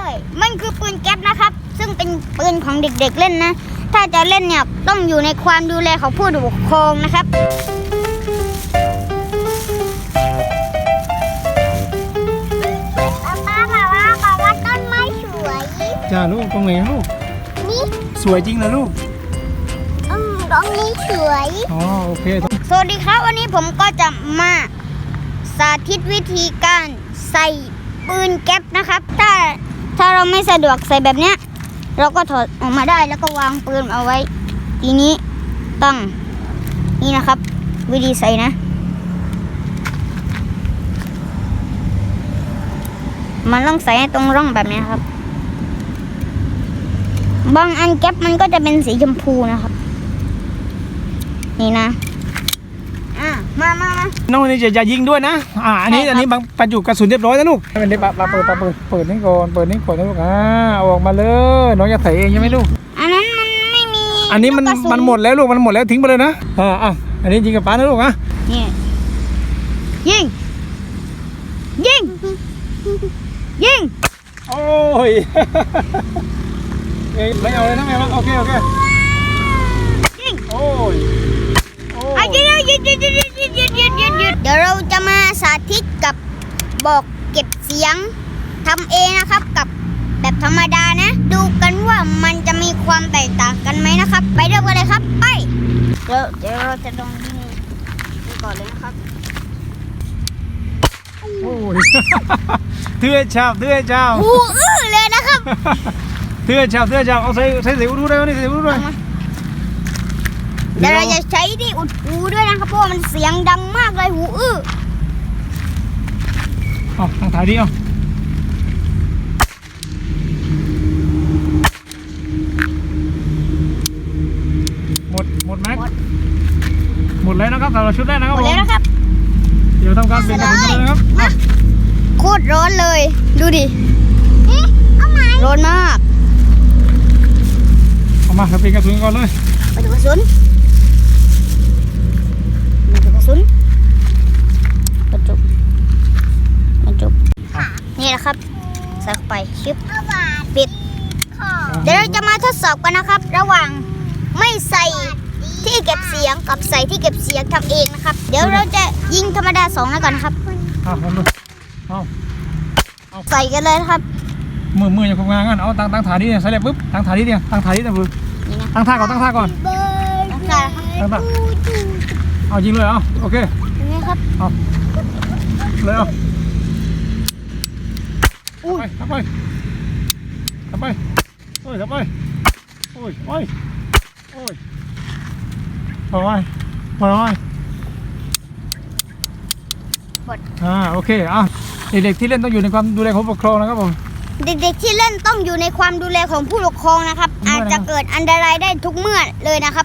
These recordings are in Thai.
มันคือปืนแก๊ปนะครับซึ่งเป็นปืนของเด็กๆเล่นนะถ้าจะเล่นเนี่ยต้องอยู่ในความดูแลของผู้ปกครองนะครับป้าว่าต้นไม้สวยจ้าลูกตรงไหนลูกนี่สวยจริงนะลูกตรงนี้สวยอ๋อโอเคสวัสดีครับวันนี้ผมก็จะมาสาธิตวิธีการใส่ปืนแก๊ปนะครับถ้าเราไม่สะดวกใส่แบบเนี้ยเราก็ถอดออกมาได้แล้วก็วางปืนเอาไว้ทีนี้ต้องนี่นะครับวิธีใส่นะมันต้องใส่ตรงร่องแบบนี้ครับบางอันแก๊ปมันก็จะเป็นสีชมพูนะครับนี่นะมาน้องนี่จะยิงด้วยนะอันนี้บางบรรจุกระสุนเรียบร้อยแล้วลูกเป็นได้ปลาเปิดนี่ก่อนนะลูกเอาออกมาเลยน้องจะใส่เองใช่ไหมลูกอันนั้นมันไม่มีอันนี้มันหมดแล้วลูกมันหมดแล้วทิ้งไปเลยนะอันนี้ยิงกับปลานะลูกนี่ยิงโอ้ยไม่เอาเลยนะแม่โอเคยิงโอ้ยหยุดเดี๋ยวเราจะมาสาธิตกับบอกเก็บเสียงทำเองนะครับกับแบบธรรมดานะดูกันว่ามันจะมีความแตกต่างกันไหมนะครับไปเริ่มกันเลยครับไปเดี๋ยวเราจะลองยิงก่อนเลยนะครับโอ้ยเทื่อชาวหูเลยนะครับเทื่อชาวเอาใส่สิวดูได้ไหมใส่สิวดูด้วยเดี๋ยวเราจะใช้ที่อุดหูด้วยนะครับเพราะมันเสียงดังมากเลยหูทางถ่ายดิหมดแม็กหมดแล้วนะครับสำหรับชุดแรกนะครับหมดแล้วนะครับเดี๋ยวทำการเปลี่ยนกระสุนกันเลยนะครับโคตรร้อนเลยดูดิร้อนมากเอามาเปลี่ยนกระสุนก่อนเลยไปดูกระสุนบรรจุนี่นะครับใส่เข้าไปชิปปิดเดี๋ยวเราจะมาทดสอบกันนะครับระหว่างไม่ใส่ที่เก็บเสียงกับใส่ที่เก็บเสียงทำเองนะครับเดี๋ยวเราจะยิงธรรมดา2แล้วกันนะครับใส่กันเลยครับมืออย่าคงงานงั้นเอาตั้งถ่ายนี่ใส่เลยปุ๊บตั้งถ่ายนี่เดียวตั้งถ่ายนี่นะปุ๊บตั้งท่าก่อนตั้งท่าเอายิงเลยโอเคนี่ครับเอาเลยทำไปโอ้ยโอเคเด็กๆที่เล่นต้องอยู่ในความดูแลของผู้ปกครองนะครับผมเด็กๆที่เล่นต้องอยู่ในความดูแลของผู้ปกครองนะครับอาจจะเกิดอันตรายได้ทุกเมื่อเลยนะครับ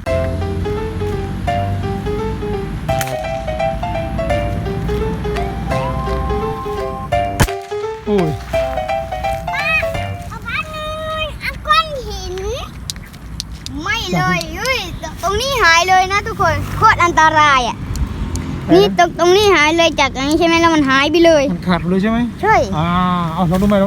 โอ้ยเอาพันหนึ่งก้อนหินไม่เลยตรงนี้หายเลยนะทุกคนโคตรอันตรายนี่ตรงนี้หายเลยจากอย่างนี้ใช่ไหมแล้วมันหายไปเลยมันขาดเลยใช่ไหมใช่เอาลองดูใหม่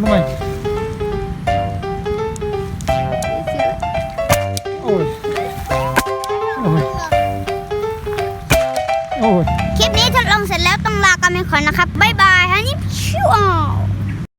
โอ้ยคลิปนี้ทดลองเสร็จแล้วต้องลากันไปก่อนนะครับบ๊ายบาย